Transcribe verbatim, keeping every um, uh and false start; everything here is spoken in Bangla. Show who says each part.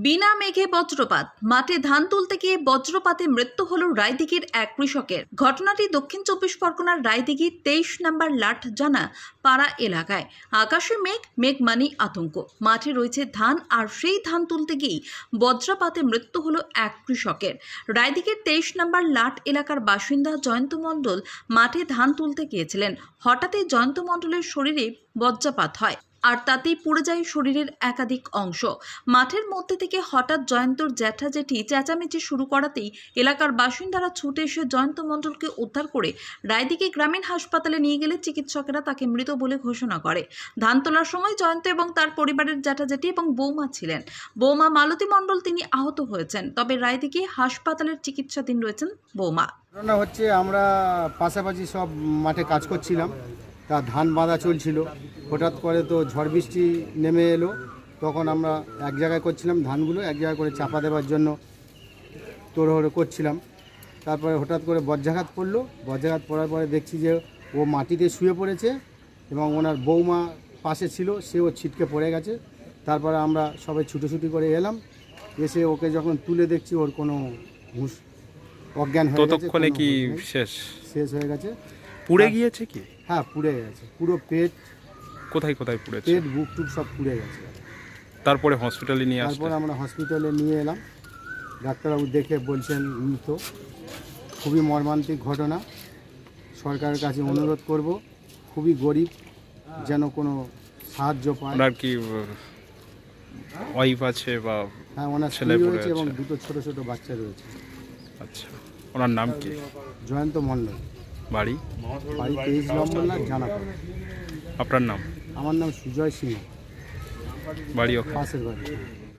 Speaker 1: বিনা মেঘে বজ্রপাত, মাঠে ধান তুলতে গিয়ে বজ্রপাতে মৃত্যু হল রায়দিঘির এক কৃষকের। ঘটনাটি দক্ষিণ চব্বিশ পরগনার রায়দিঘির তেইশ নম্বর লাটজানা পাড়া এলাকায়। আকাশে মেঘ, মেঘ মানি আতঙ্ক। মাঠে রয়েছে ধান, আর সেই ধান তুলতে গিয়েই বজ্রপাতে মৃত্যু হল এক কৃষকের। রায়দিঘির তেইশ নম্বর লাট এলাকার বাসিন্দা জয়ন্ত মণ্ডল মাঠে ধান তুলতে গিয়েছিলেন। হঠাৎই জয়ন্ত মণ্ডলের শরীরে বজ্রপাত হয়, আর তাতেই পুড়ে যায় শরীরের একাধিক অংশ। মাঠের মধ্যে থেকে হঠাৎ জয়ন্তর জ্যাঠা জেঠি চেঁচামেচি শুরু করাতেই এলাকার বাসিন্দারা ছুটে এসে জয়ন্ত মণ্ডলকে উদ্ধার করে রায়দিঘি গ্রামীণ হাসপাতালে নিয়ে গেলে চিকিৎসকেরা তাকে মৃত বলে ঘোষণা করে। ধান তোলার সময় জয়ন্ত এবং তার পরিবারের জ্যাঠা জেঠি এবং বৌমা ছিলেন। বৌমা মালতী মণ্ডল তিনি আহত হয়েছেন, তবে রায়দিঘি হাসপাতালের চিকিৎসাধীন রয়েছেন বৌমা।
Speaker 2: ঘটনা হচ্ছে, আমরা পাশাপাশি সব মাঠে কাজ করছিলাম, তা ধান বাঁধা চলছিল। হঠাৎ করে তো ঝড় বৃষ্টি নেমে এলো, তখন আমরা এক জায়গায় করছিলাম ধানগুলো এক জায়গায় করে চাপা দেওয়ার জন্য তোড়হড়ো করছিলাম। তারপরে হঠাৎ করে বজ্রাঘাত পড়লো। বজ্রাঘাত পড়ার পরে দেখছি যে ও মাটিতে শুয়ে পড়েছে এবং ওনার বৌমা পাশে ছিল, সেও ছিটকে পড়ে গেছে। তারপরে আমরা সবাই ছুটোছুটি করে এলাম, এসে ওকে যখন তুলে দেখছি ওর কোনো হুঁশ অজ্ঞান হয়ে গেছে।
Speaker 3: ততক্ষণে কি শেষ
Speaker 2: শেষ হয়ে গেছে।
Speaker 3: পুড়ে গিয়েছে কি?
Speaker 2: হ্যাঁ, পুড়ে গেছে পুরো পেট,
Speaker 3: কোথায় কোথায় পুড়েছে?
Speaker 2: পেট বুক টুক সব পুড়ে গেছে।
Speaker 3: তারপরে হসপিটালে নিয়ে আসলে
Speaker 2: তারপর আমরা হসপিটালে নিয়ে এলাম। ডাক্তারবাবু দেখে বলছেন মৃত। খুবই মর্মান্তিক ঘটনা। সরকারের কাছে অনুরোধ করব, খুবই গরিব, যেন কোনো সাহায্য পায়।
Speaker 3: ওনার কি ওয়াইফ আছে বা?
Speaker 2: হ্যাঁ, ওনার
Speaker 3: ছেলে
Speaker 2: ছেলে
Speaker 3: পড়ে
Speaker 2: রয়েছে এবং
Speaker 3: আছে।
Speaker 2: দুটো ছোট ছোট বাচ্চা রয়েছে।
Speaker 3: আচ্ছা, ওনার নাম কি?
Speaker 2: জয়ন্ত মণ্ডল,
Speaker 3: বাড়ি?
Speaker 2: বাড়ি তেইশ নম্বর না জানা।
Speaker 3: আপনার নাম?
Speaker 2: আমার নাম সুজয় সিংহ,
Speaker 3: বাড়ি ওখানে?
Speaker 2: পাশের বাড়ি।